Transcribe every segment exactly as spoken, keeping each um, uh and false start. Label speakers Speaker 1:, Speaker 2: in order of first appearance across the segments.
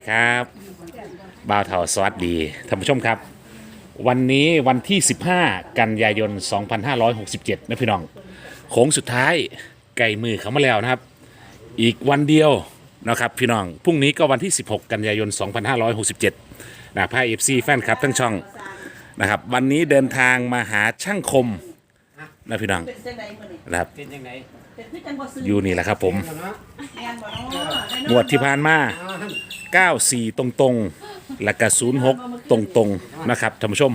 Speaker 1: ครับบ่าวเถาสวัสดีท่านผู้ชมครับ วันนี้วันที่สิบห้ากันยายนสองพันห้าร้อยหกสิบเจ็ดนะพี่น้องโค้งสุดท้ายไก่มือเขามาแล้วนะครับ อีกวันเดียวนะครับพี่น้องพรุ่งนี้ก็วันที่สิบหกกันยายนสองพันห้าร้อยหกสิบเจ็ดนะพาเอฟซีแฟนครับทั้งช่องนะครับวันนี้เดินทางมาหาช่างคมนะพี่น้องนะครับ
Speaker 2: เป็นยังไง
Speaker 1: อยู่นี่แหละครับผม
Speaker 2: เนาะ
Speaker 1: งวดที่ผ่านมาเก้าสี่ตรงๆ และก็ศูนย์หกตรงๆ นะครับท่านผู้ชม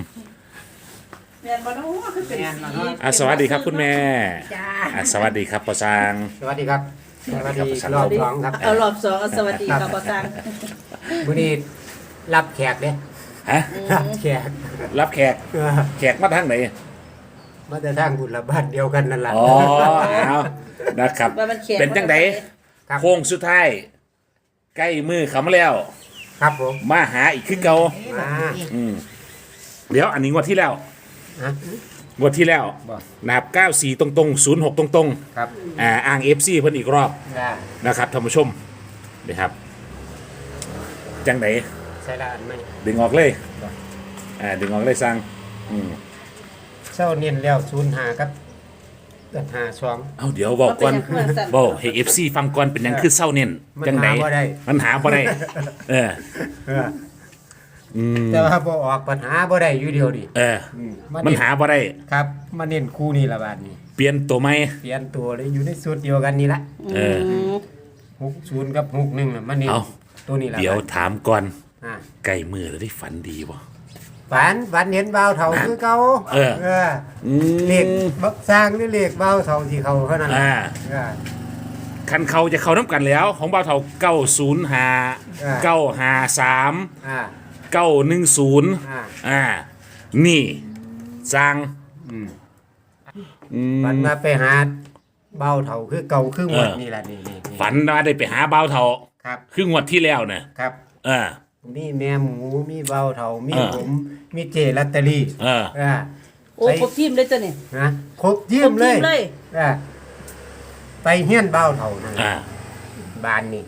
Speaker 1: อ่ะสวัสดีครับคุณแม่อ่ะสวัสดีครับปอซาง
Speaker 2: สวัสดีครับสวัสดี
Speaker 1: ครับ
Speaker 2: รอบสองครับ
Speaker 3: เอารอบสองเอาสวัสดีครับปอซัง
Speaker 2: วันนี้รับแขกเด้
Speaker 1: ฮะ
Speaker 2: รับแขก
Speaker 1: รับแขก
Speaker 2: เออ
Speaker 1: แขกมาทางไหน
Speaker 2: มาแต่ทางบุญละบ้านเดียวกันนั่นแหละ
Speaker 1: อ๋อเอานะครับ
Speaker 3: ว่ามันเขียน
Speaker 1: เป็นจังได
Speaker 2: ครับ
Speaker 1: โค้งสุดท้ายใกล้มือเขามาแล้ว
Speaker 2: ครับผม
Speaker 1: มาหาอีกคือเก่า
Speaker 2: มา
Speaker 1: อืมเดี๋ยวอันนี้งวดที่แล้ว
Speaker 2: ฮะ
Speaker 1: งวดที่แล้ว
Speaker 2: บอก
Speaker 1: นะครับเก้าสี่ตรงๆศูนย์หกตรงๆ
Speaker 2: ครับ
Speaker 1: อ่าอ้าง เอฟ ซี เพิ่นอีกรอบ
Speaker 2: ได้
Speaker 1: นะครับท่านผู้ชมนี่ครับ จังไหน
Speaker 2: ใส่ละอันไหม
Speaker 1: ดึงออกเลยอ่าดึงออกเลยสั่งอืม
Speaker 2: เศร้าเนียนแล้วศูนย์หาครับเกิดหาสอง
Speaker 1: เอาเดี๋ยวบอกก่อนบอกให้ เอฟ ซี ฟังก่อนเป็นหยังคือเศร้าเน้น
Speaker 2: มัน
Speaker 1: จังไหน
Speaker 2: หาบ่ได้
Speaker 1: มันหาบ่ได้เออ
Speaker 2: เออ
Speaker 1: อืม
Speaker 2: แต่ว่าบ่ออกปัญหาบ่ได้อยู่เดียวดิ
Speaker 1: เออ
Speaker 2: อืม
Speaker 1: มันหาบ่ได้
Speaker 2: ครับมาเน้นคู่นี่ละบาทนี้
Speaker 1: เปลี่ยนตัวไหม
Speaker 2: เปลี่ยนตัวเลยอยู่ในสูตรเดียวกันนี่ละ
Speaker 1: เออ
Speaker 2: หกศูนย์กับหกหนึ่งน่ะมาเน้น
Speaker 1: เอา
Speaker 2: ตัวนี้ละ
Speaker 1: เดี๋ยว
Speaker 2: บาท
Speaker 1: ถามก่อน
Speaker 2: อ่า
Speaker 1: ไก่มือแล้วได้ฝันดีบ่
Speaker 2: ฝันฝันเห็นเบาวเถาคือเก่า
Speaker 1: เออ
Speaker 2: เออ
Speaker 1: อืม
Speaker 2: เลขบักสร้างหรือเลขเบาวเถาที่เขาเท่านั้น
Speaker 1: อ่า
Speaker 2: เออ
Speaker 1: คันเขาจะเข้าน้ำกันแล้ว ของบ่าวเฒ่าเก้าศูนย์ห้า
Speaker 2: อ่า
Speaker 1: เก้าห้าสาม
Speaker 2: อ่า
Speaker 1: เก้าหนึ่งศูนย์
Speaker 2: อ่า
Speaker 1: อ่า นี่สั่ง
Speaker 2: อืม
Speaker 1: อืม
Speaker 2: ฝันมาไปหาเบาวเถาคือเก่าคือหมด
Speaker 1: เออ
Speaker 2: นี่แหละนี่นี่นี่
Speaker 1: ฝันว่าได้ไปหาบ่าวเฒ่า
Speaker 2: ครับ
Speaker 1: คืองวดที่แล้วเนี่ย
Speaker 2: ครับ
Speaker 1: เออ
Speaker 2: มีแม่หมูมีเบาวเถามี
Speaker 1: เออ
Speaker 2: ผมมีเจลอตเตอรี่
Speaker 1: เออ
Speaker 2: อ่า
Speaker 3: โอ้ครบทีมเลยจ้ะนี่
Speaker 2: นะครบเยี่ยมเล
Speaker 3: ครบที
Speaker 2: ย
Speaker 3: มเลย
Speaker 2: อ่าไปเฮี้ยนเบาวเถานั่นแหละ
Speaker 1: อ่า
Speaker 2: บ้านนี่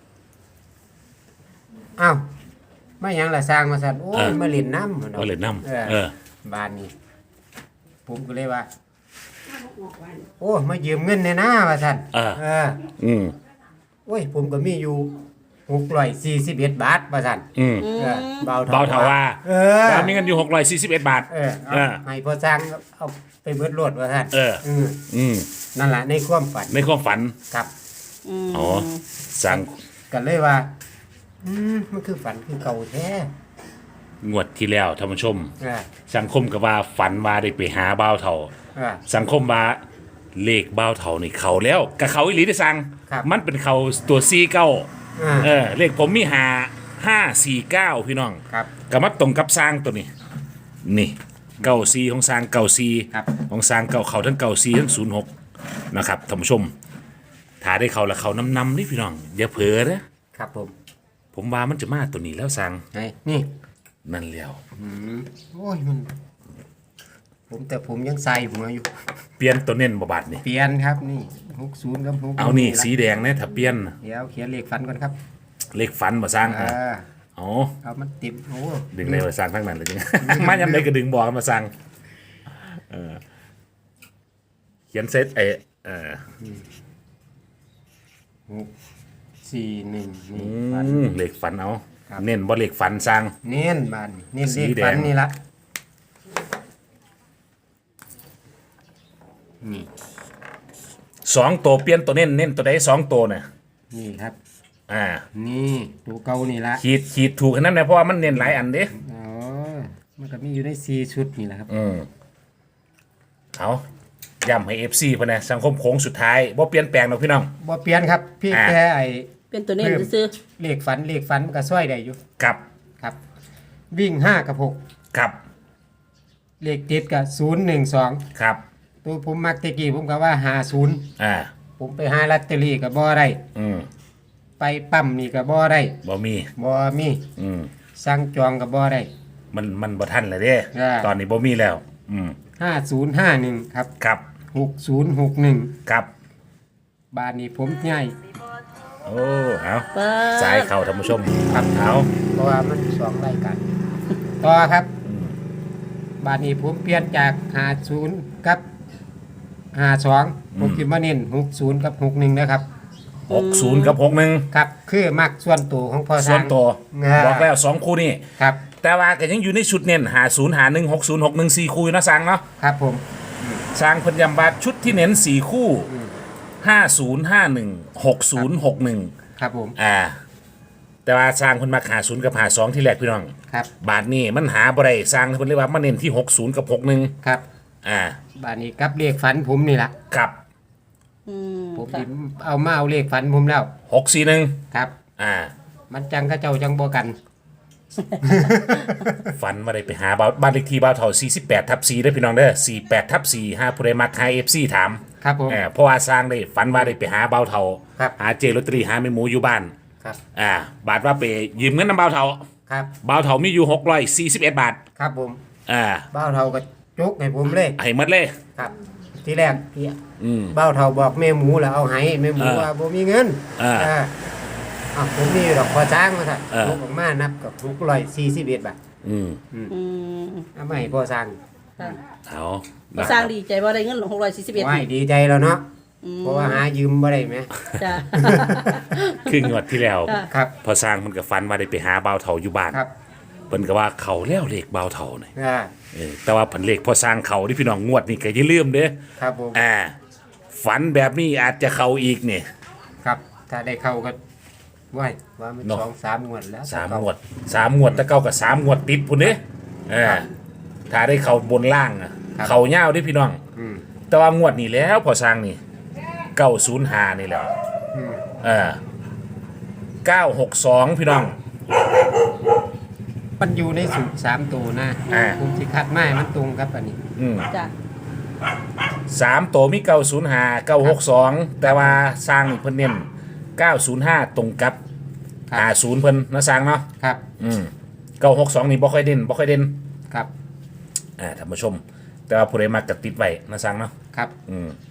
Speaker 2: อ้าวไม่หยังละสร้างมาสั่นโอ้ยมาเล่นน้ำ
Speaker 1: ก็เลยนำ
Speaker 2: เออ
Speaker 1: เออ
Speaker 2: บ้านนี้ผมก็เลยว่า โอ้มายืมเงินในหน้าว่าสั่น
Speaker 1: เออ
Speaker 2: เออ
Speaker 1: อืม
Speaker 2: โอ้ย ผมก็มีอยู่หกร้อยสี่สิบเอ็ดบาทว่าสั่น
Speaker 1: อืม
Speaker 3: อื
Speaker 2: เออ
Speaker 3: ม
Speaker 2: เบา
Speaker 1: เบาเถาว่า
Speaker 2: เออ
Speaker 1: ว่ามีเงินอยู่หกร้อยสี่สิบเอ็ดบาท
Speaker 2: เออเอา
Speaker 1: เออ
Speaker 2: ให้พ่อสร้างเอาไปเบิดรถว่าสั่น
Speaker 1: เออ
Speaker 2: อืม
Speaker 1: อืม
Speaker 2: นั่นแหละในความฝัน
Speaker 1: ในความฝัน
Speaker 2: ครับ
Speaker 3: อืม
Speaker 1: อ๋อ สั่ง
Speaker 2: กันเลยว่า อืมมันคือฝันคือเก่าแท้
Speaker 1: งวดที่แล้วท่านผู้ชม
Speaker 2: เออ
Speaker 1: สังคมก็ว่าฝันว่าได้ไปหาบ่าวเฒ่า
Speaker 2: เออ
Speaker 1: สังคมว่าเลขบ่าวเฒ่านี่เขาแล้วกับเขาอีหลีได้สั่ง
Speaker 2: ครับ
Speaker 1: มันเป็นเขาตัวซีเก้า
Speaker 2: อ่า
Speaker 1: เออ เลขผมมีหาห้าสี่เก้าพี่น้อง
Speaker 2: ครับ
Speaker 1: ก็มาตรงกับสร้างตัวนี้ นี่เก้าซีของสร้างเก้าซี
Speaker 2: ครับ
Speaker 1: ของสร้างเก้าเขาทั้งเก้าซีทั้งศูนย์หกนะครับท่านผู้ชมถ้าได้เขาและเขานำนำนี่พี่น้องอย่าเผลอนะครับ
Speaker 2: ผม
Speaker 1: ผมว่ามันจะมาตัวนี้แล้วสร้าง
Speaker 2: ไงนี่
Speaker 1: นั่นแล้ว
Speaker 2: อืมโอ้ยมัน ผมแต่ผมยังใส่หัวอยู่
Speaker 1: เปลี่ยนตัวเน้นบาบาดนี่
Speaker 2: เปลี่ยนครับนี่หกศูนย์กับหก
Speaker 1: เอานี่สีแดงเนี่ยถ้าเปลี่ยน
Speaker 2: เดี๋ยวเขียนเลขฟันก่อนครับ
Speaker 1: เลขฝันมาสร้าง
Speaker 2: อ่า
Speaker 1: อ๋อ
Speaker 2: เอามันติดโอ้
Speaker 1: ดึงในมาสร้างทั้งนั้นเลยจริง มายังไงก็ดึงบอกมาสร้างเออเขียนเซตเออเออ
Speaker 2: หกสี่หนึ่งนี่
Speaker 1: อื
Speaker 2: ฟัน
Speaker 1: มเลขฝันเอา
Speaker 2: ครับ
Speaker 1: เน้นบ่เลขฝันสร้าง
Speaker 2: เน้นบานเน้น
Speaker 1: สี
Speaker 2: เลข
Speaker 1: แดง
Speaker 2: ฟันนี่ละนี่
Speaker 1: สองตัวเปลี่ยนตัวเน้นเน้นตัวใดสองตัวเนี่ย
Speaker 2: นี่ครับ
Speaker 1: อ่า
Speaker 2: นี่ตัวเก่านี่ละ
Speaker 1: ขีดขีดถูกขนาดนั้นนะเพราะว่ามันเน้นหลายอันเด้
Speaker 2: อ๋อมันก็มีอยู่ในสี่ชุดนี่แหละครับ
Speaker 1: อืมเอาย้ำให้เอฟซีพะนะสังคมโค้งสุดท้ายบ่เปลี่ยนแปลงหรอกพี่น้อง
Speaker 2: บ่เปลี่ยนครับพี่
Speaker 1: อ่า
Speaker 2: แค่ไอ้
Speaker 3: เป็นตัวนี้ซื้อ
Speaker 2: เลขฝันเลขฝันมันก็ช่วยได้อยู่
Speaker 1: กับ
Speaker 2: ครับ วิ่งห้ากับหก
Speaker 1: กับ
Speaker 2: เลขติดกับศูนย์หนึ่งสอง
Speaker 1: ครับ
Speaker 2: ตัวผมมักตะกี้ผมก็ว่าหาศูนย์
Speaker 1: อ่า
Speaker 2: ผมไปหาลอตเตอรี่กับบ่ได้
Speaker 1: อืม
Speaker 2: ไปปั๊มนี่กับบ่ได้
Speaker 1: บ่มี
Speaker 2: บ่มี
Speaker 1: อืม
Speaker 2: สั่งจองกับบ่ได้
Speaker 1: มันมันบ่ทันเลยเด้
Speaker 2: อ่า
Speaker 1: ตอนนี้บ่มีแล้ว อืม
Speaker 2: ห้าศูนย์ห้าหนึ่งครับ
Speaker 1: ครับ
Speaker 2: หกศูนย์หกหนึ่ง
Speaker 1: ครับ
Speaker 2: บาทนี้ผมใหญ่
Speaker 1: โอ้เอา
Speaker 3: เปิด
Speaker 1: สายเข่าท่านผู้ชม
Speaker 2: ครับ
Speaker 1: เอา
Speaker 2: เพราะว่ามันสองรายการต่อครับบาดนี้ผมเปลี่ยนจากห้าศูนย์กับห้าสองผมคิดว่าเน้นหกศูนย์กับหกหนึ่งนะครับ
Speaker 1: หกศูนย์กับหกหนึ่ง
Speaker 2: ครับคือมักส่วนตัวของพ่อ
Speaker 1: ส่วนตัว
Speaker 2: อ่า
Speaker 1: บอกแล้วสองคู่นี่
Speaker 2: ครับ
Speaker 1: แต่ว่าก็ยังอยู่ในชุดเน้นหาศูนย์หาหนึ่งหกศูนย์หกหนึ่งสี่คู่อยู่นะสังเนาะ
Speaker 2: ครับผม
Speaker 1: สร้างเพนยำบาทชุดที่เน้นสี่คู่ห้าศูนย์ห้าหนึ่งหกศูนย์หกหนึ่ง
Speaker 2: ครับผม
Speaker 1: อ่า แต่ว่าสร้างคนมาหาศูนย์กับหาสองที่แรกพี่น้อง
Speaker 2: ครับ
Speaker 1: บาทนี่มันหาบ่ได้สร้างคนเรียกว่ามันเน้นที่หกศูนย์กับหกหนึ่ง
Speaker 2: ครับ
Speaker 1: อ่า
Speaker 2: บาดนี้กับเลขฝันผมนี่แหละ
Speaker 1: กับ
Speaker 3: อืม
Speaker 2: ผม
Speaker 3: ค่ะ
Speaker 2: สิเอามาเอาเลขฝันผมแล้ว
Speaker 1: หกสี่หนึ่ง
Speaker 2: ครับ
Speaker 1: อ่า
Speaker 2: มันจังเข้าเจ้าจังบ่กัน
Speaker 1: ฝันมาได้ไปหาบ้านบ้านเลขที่บ้านเท่าสี่สิบแปดทับสี่ได้อพี่น้องเด้อสี่แปดทับสี่ห้าผู้ใดมาไทยเอฟซีถาม
Speaker 2: ครับผม
Speaker 1: เออเพราะว่าสร้างได้ฝันว่าได้ไปหาเบาเท่า
Speaker 2: ครับ
Speaker 1: หาเจลอตเตอรี่หาแม่หมูอยู่บ้าน
Speaker 2: ครับ
Speaker 1: อ่า บาทว่าไปยืมเงินน้ำเบาเท่า
Speaker 2: ครับ
Speaker 1: เบาเท่ามีอยู่หกร้อยสี่สิบเอ็ดบาท
Speaker 2: ครับผม
Speaker 1: อ่า
Speaker 2: เบ้าเท่าก็จุกให้ผมเลย
Speaker 1: ให้หมดเลย
Speaker 2: ครับ ที่แรกที่
Speaker 1: อืม
Speaker 2: เบ้าเท่าบอกแม่หมูแล้วเอาให้แม่หมู
Speaker 1: อ่า
Speaker 2: ว่าบ่มีเงิน
Speaker 1: อ่า
Speaker 2: อ่าอ้าวผมมีดอกพอจ้างมาสั่น
Speaker 1: อ่า
Speaker 2: ยกออกมานับกับหกร้อยสี่สิบเอ็ดบาท
Speaker 1: อืม
Speaker 3: อืม
Speaker 2: เอามาให้พ่อสร้าง
Speaker 3: ค่ะ
Speaker 1: เอา
Speaker 3: พ่อสร้างดีใจว่าได้เงินหกร้อยสี่สิบเอ็ด
Speaker 2: ไหวดีใจแล้วเนาะเพราะว่าหายืมบ่ได้ไหม
Speaker 3: จ้ะ
Speaker 1: คืองวดที่แล้ว
Speaker 3: ค่ะ
Speaker 2: ครับ
Speaker 1: พอสร้างมันก็ฝันว่าได้ไปหาเบาเท่าอยู่บ้าน
Speaker 2: ครับ
Speaker 1: เพิ่นก็ว่าเขาแล้วเลขเบาเท่านี่
Speaker 2: อ่า
Speaker 1: เออแต่ว่าผลเลขพอสร้างเขาที่พี่น้องงวดนี่ก็อย่าลืมเด้อ
Speaker 2: ครับผม
Speaker 1: อ่า ฝันแบบนี้อาจจะเข้าอีกเนี่ย
Speaker 2: ครับ ถ้าได้เข้าก็ไหวว่ามัน
Speaker 1: เนาะ
Speaker 2: สองสามงวดแล้ว
Speaker 1: สามงวดสามงวดแต่เก้ากับสามงวดติดพุ่นเด้เออถ้าได้เข้าบนล่างอะเข้าเง่าวเด้พี่น้อง
Speaker 2: อืม
Speaker 1: แต่ว่างวดนี้แล้วพอสร้างนี่เก้าศูนย์หานี่แหล้ว
Speaker 2: อืม
Speaker 1: เออเก้าหกสองพี่น้อง
Speaker 2: มันอยู่ในสูตรสามตัวนะ
Speaker 1: อ่า
Speaker 2: ผมสิคัดไม้มันตรงครับอันนี้
Speaker 1: อืม
Speaker 3: จ้ะ
Speaker 1: สามตัวมีเก้าศูนย์หาเก้าหกสองแต่ว่าสร้างนี่เพิ่นเน้นเก้าศูนย์ห้าตรงกับหาศูนย์เพิ่นนะสร้างเนาะ
Speaker 2: ครับ
Speaker 1: อืมเก้าหกสองนี่บ่ค่อยเด่นบ่ค่อยเด่น
Speaker 2: ครับ
Speaker 1: อ่าท่านผู้ชม แต่ว่าผู้ใดมักก็ติดไว้นะสังเนาะ
Speaker 2: ครับ
Speaker 1: อืม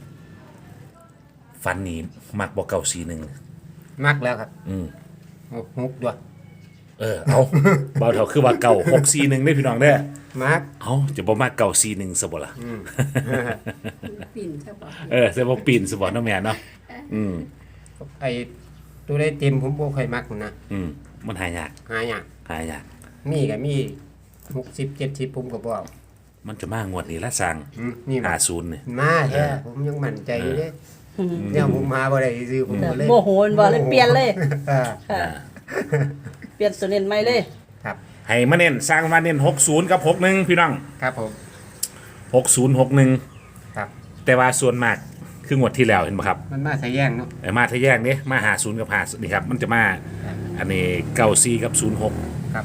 Speaker 1: ฟันนี่มักบ่เก่าสีหนึ่ง
Speaker 2: มักแล้วครับ
Speaker 1: อืม
Speaker 2: เอาฮุกด้วย
Speaker 1: เออเอา เบาเท่าคือว่าเก่าหกสีหนึ่งได้อพี่น้องเด้อ
Speaker 2: มัก
Speaker 1: เอาจะบ่มักเก่าสีหนึ่งซะบ่ล่ะ
Speaker 2: อืม
Speaker 3: ปิ่นใช่ปะ
Speaker 1: เออจะบ่ปีนซะบ่เนาะแม่เนาะอืม
Speaker 2: ไอ้ตัวได้เต็มผมบ่ค่อยมักนะ
Speaker 1: อืมมันหายาก
Speaker 2: หายาก
Speaker 1: หายาก
Speaker 2: มีก็มีหกสิบเจ็ดสิบผมก็บ่เอา
Speaker 1: มันจะมางวดนี้ละสัง
Speaker 2: อืมนี่
Speaker 1: หา
Speaker 2: มา
Speaker 1: ศูนย์เนี่ย
Speaker 2: มาแท้ผมยังมั่นใจอยู่เด้เนี่ยผมมาบ่ได้ซื้อผมก็เลย
Speaker 3: โมโหมันบ่เลยเปลี่ยนเลย
Speaker 2: อ่า
Speaker 3: ค่ะ เปลี่ยนตัวเน้นใหม่เลย
Speaker 2: ครับ
Speaker 1: ให้มาเน้นสร้างมาเน้นหกศูนย์กับหกหนึ่งพี่น้อง
Speaker 2: ครับผม
Speaker 1: หกศูนย์หกหนึ่ง
Speaker 2: ครับ
Speaker 1: แต่ว่าส่วนมากคืองวดที่แล้วเห็นป่ะครับ
Speaker 2: มันมาใส่แย่งเนาะ
Speaker 1: เออมาทะแยกนี้มาหาศูนย์กับหานี่ครับมันจะมาอันนี้เก้าซีกับศูนย์หก
Speaker 2: ครับ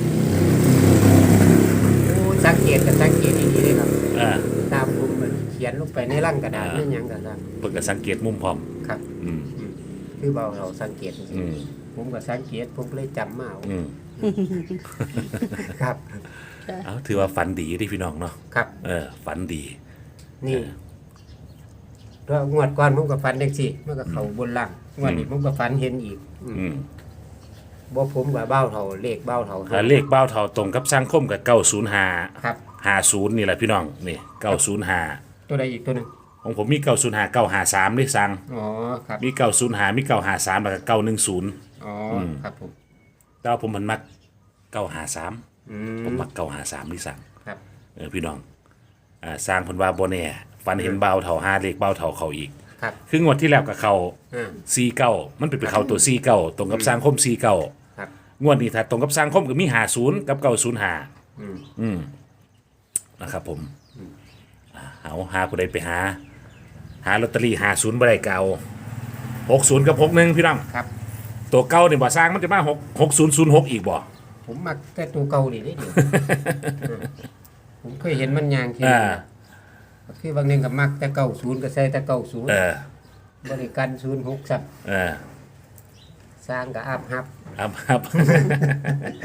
Speaker 2: โอ้สังเกตกับสังเกตดีๆเลยครับ
Speaker 1: เออ
Speaker 2: ตามผมมันเขียนลงไปในร่างกระดาษ
Speaker 1: อ่า
Speaker 2: นั่นหยังก็ตาม
Speaker 1: เพิ่งก็สังเกตมุมพร้อม
Speaker 2: ครับ
Speaker 1: อืม
Speaker 2: คือเบาเราสังเกตจริ
Speaker 1: อื
Speaker 2: ง
Speaker 1: ม
Speaker 2: ๆผมก็สังเกตผมก็เลยจำมาเอา
Speaker 1: อืม
Speaker 2: ครับ
Speaker 1: เอาถือว่าฝันดีที่พี่น้องเนาะ
Speaker 2: ครับ
Speaker 1: เออฝันดี
Speaker 2: นี่เพราะงวดก่อนผมก็ฝันเด็กสิมันก็เข้าบนล่างงวดนี้ผมก็ฝันเห็นอีกอืม
Speaker 1: อืม
Speaker 2: บ่ผมกับเบ้าเท่าเลขเบ้าเท่า
Speaker 1: แล้วเลขเบ้าเท่าตรงกับสร้างคมกับเก้าศูนย์หา
Speaker 2: ครับ
Speaker 1: หาศูนย์นี่แหละพี่น้องนี่เก้าศูนย์หา
Speaker 2: ตัวใดอีกตัวหนึง
Speaker 1: ของผมมีเก้าศูนย์หาเก้าหาสามด้วยสั่ง
Speaker 2: อ๋อครับ
Speaker 1: มีเก้าศูนย์หามีเก้าหาสามแล้วก็เก้าหนึ่งศูนย์
Speaker 2: อ๋อครับผม
Speaker 1: แต่ว่าผมมันมักเก้าหาสาม
Speaker 2: อื
Speaker 1: ผม
Speaker 2: ม
Speaker 1: มักเก้าหาสามที่สั่ง
Speaker 2: ครับ
Speaker 1: เออพี่น้องอ่าสร้างเพนว่าโบเน่ฝันเห็นเบาเท่าห้าเลขเบาเท่าเขาอีก
Speaker 2: ครับ
Speaker 1: คืองวดที่แล้วกับเขา
Speaker 2: อ่า
Speaker 1: ซีเก้ามันเป็นไปเขาตัวซีเก้าตรงกับสร้างคมซีเก้า
Speaker 2: ครับ
Speaker 1: งวดนี้ถ้าตรงกับสร้างคมก็มีหาศูนย์กับเก้าศูนย์หา
Speaker 2: อืม
Speaker 1: อืมนะครับผมอ่าเอาหาผู้ใดไปหา หาลอตเตอรี่หาศูนย์บ่ได้เก่าหกศูนย์กับหกหนึ่งพี่น้อง
Speaker 2: ครับ
Speaker 1: ตัวเก้าเนี่ยบ่สร้างมันจะมาหกหกศูนย์ศูนย์หกอีกบ่
Speaker 2: ผมมักแต่ตัวเก่านี่ได้เดียว อืมผมเคยเห็นมันยางที
Speaker 1: อ่า
Speaker 2: คือบางหนึงก็มักแต่เก่าศูนย์ก็ใส่แต่เก่าศูนย์
Speaker 1: เออบ
Speaker 2: ริการศูนย์หกสับ
Speaker 1: เออ
Speaker 2: สร้างก็อาบฮับ
Speaker 1: ครับครับ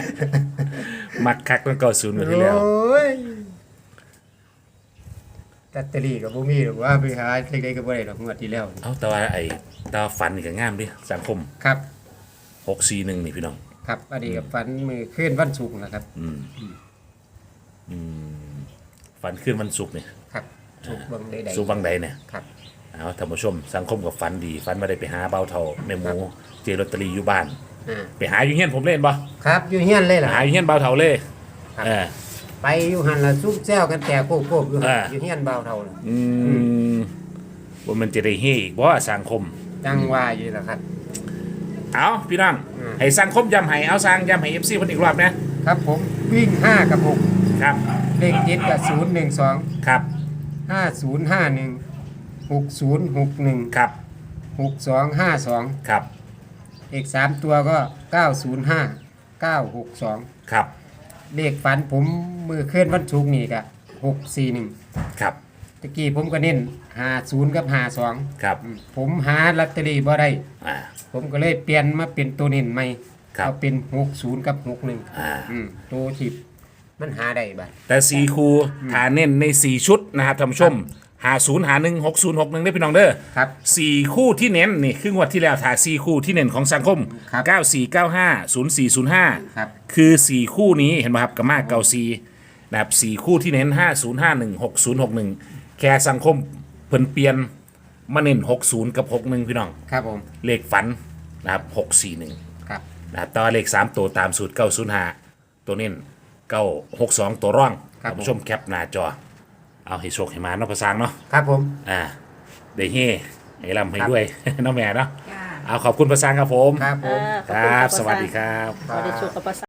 Speaker 1: มักคักตั้งเก้าศูนย์มาที่แล้ว
Speaker 2: โอ้ยลอตเตอรี่ก็บ่มีหรอกว่าไปหาเล็กๆก็บ่ได้ดอกงวดที่แล้ว
Speaker 1: เอาแต่ว่าไอ้แตว่าฝันนี่ก็งามดิสังคม
Speaker 2: ครับ
Speaker 1: หกสี่หนึ่งนี่พี่น้อง
Speaker 2: ครับอันนี้ก็ฝันมื้อคืนวันศุกร์นะครับ
Speaker 1: อืมอืมฝันขึ้นวันศุกร์เนี่ย
Speaker 2: ครับศุกร์เบิ่งใด
Speaker 1: ศุกร์วังใดเนี่ย
Speaker 2: ๆครับ
Speaker 1: เอาท่านผู้ชมสังคมกับฝันดีฝันมาได้ไปหาเบาเท่าแม่หมูเจลอตเตอรี่อยู่บ้าน
Speaker 2: อ่า
Speaker 1: ไปหาอยู่เฮียนผมเล่นบ่
Speaker 2: ครับอยู่เฮียนเลย
Speaker 1: ไป
Speaker 2: ล่ะ
Speaker 1: หาอยู่เฮียนเบาเท่าเลย
Speaker 2: ครับ
Speaker 1: เออ
Speaker 2: ไปอยู่หันล่ะซุ่มแซวกันแต่โคกๆอยู่หั่น
Speaker 1: อ่า
Speaker 2: อยู่เฮียนเบาเท่าน่ะ
Speaker 1: อืมว่ามันจะได้เฮอีกบ่สังคม
Speaker 2: จังว่าอยู่ล่ะครับ
Speaker 1: เอาพี่น้อง
Speaker 2: อืม
Speaker 1: ให้สังคมย้ำให้เอาสร้างย้ำให้ เอฟ ซีเพิ่นอีกรอบนะครับ
Speaker 2: ผมวิ่งห้ากับหก
Speaker 1: ครับ
Speaker 2: เลขติดกับศูนย์หนึ่งสอง
Speaker 1: ครับ
Speaker 2: ห้าศูนย์ห้าหนึ่งหกศูนย์หกหนึ่ง
Speaker 1: ครับ
Speaker 2: หกสองห้าสอง
Speaker 1: ครับ
Speaker 2: เลขสามตัวก็เก้าศูนย์ห้าเก้าหกสอง
Speaker 1: ครับ
Speaker 2: เลขฝันผมมือเคลื่อนวันศุกร์นี่ก็หกสี่หนึ่ง
Speaker 1: ครับ
Speaker 2: ตะกี้ผมก็เน้นหาศูนย์กับหาสอง
Speaker 1: ครับ
Speaker 2: ผมหาลอตเตอรี่บ่ได้
Speaker 1: อ่า
Speaker 2: ผมก็เลยเปลี่ยนมาเป็นตัวเน้นใหม่
Speaker 1: ครับ
Speaker 2: เอาเป็นหกศูนย์กับหกหนึ่ง
Speaker 1: อ่า
Speaker 2: อืมตัวที่มันหาได้บัด
Speaker 1: แต่สี่คูฐานเน้นในสี่ชุดนะครับท่านผู้ชมหาศูนย์หาหนึ่งหกศูนย์หกหนึ่งได้พี่น้องเด้อ
Speaker 2: ครับ
Speaker 1: สี่คู่ที่เน้นนี่คืองวดที่แล้วถ่ายสี่คู่ที่เน้นของสังคม
Speaker 2: ครับ
Speaker 1: เก้าสี่เก้าห้าศูนย์สี่ศูนย์ห้า
Speaker 2: ครับ
Speaker 1: คือสี่คู่นี้เห็นไหมครับกับมาเก้าสี่นะครับสี่คู่ที่เน้นห้าศูนย์ห้าหนึ่งหกศูนย์หกหนึ่งแค่สังคมเพิ่นเปลี่ยนมาเน้นหกศูนย์กับหกหนึ่งพี่น้อง
Speaker 2: ครับผม
Speaker 1: เลขฝันนะครับหกสี่หนึ่ง
Speaker 2: ครับ
Speaker 1: นะครับแตว่าเลขสามตัวตามสูตรเก้าศูนย์ห้าตัวเน้นเก้าหกสองตัวร่องท่านผู้ชมแคปหน้าจอ เอาให้โชคให้มาเนาะภาษาเนาะ
Speaker 2: ครับผม
Speaker 1: อ่าได้เฮ่ให้ลำให้ด้วย เน้องแม่เนาะ
Speaker 3: จ้า
Speaker 1: เอาขอบคุณภาษาครับผม
Speaker 2: ครับผม
Speaker 3: อ่าข
Speaker 1: ค
Speaker 3: อบณ
Speaker 1: รับ
Speaker 3: ะ
Speaker 1: สวัสดีครับ
Speaker 3: สวัสดีโชคกับภาษา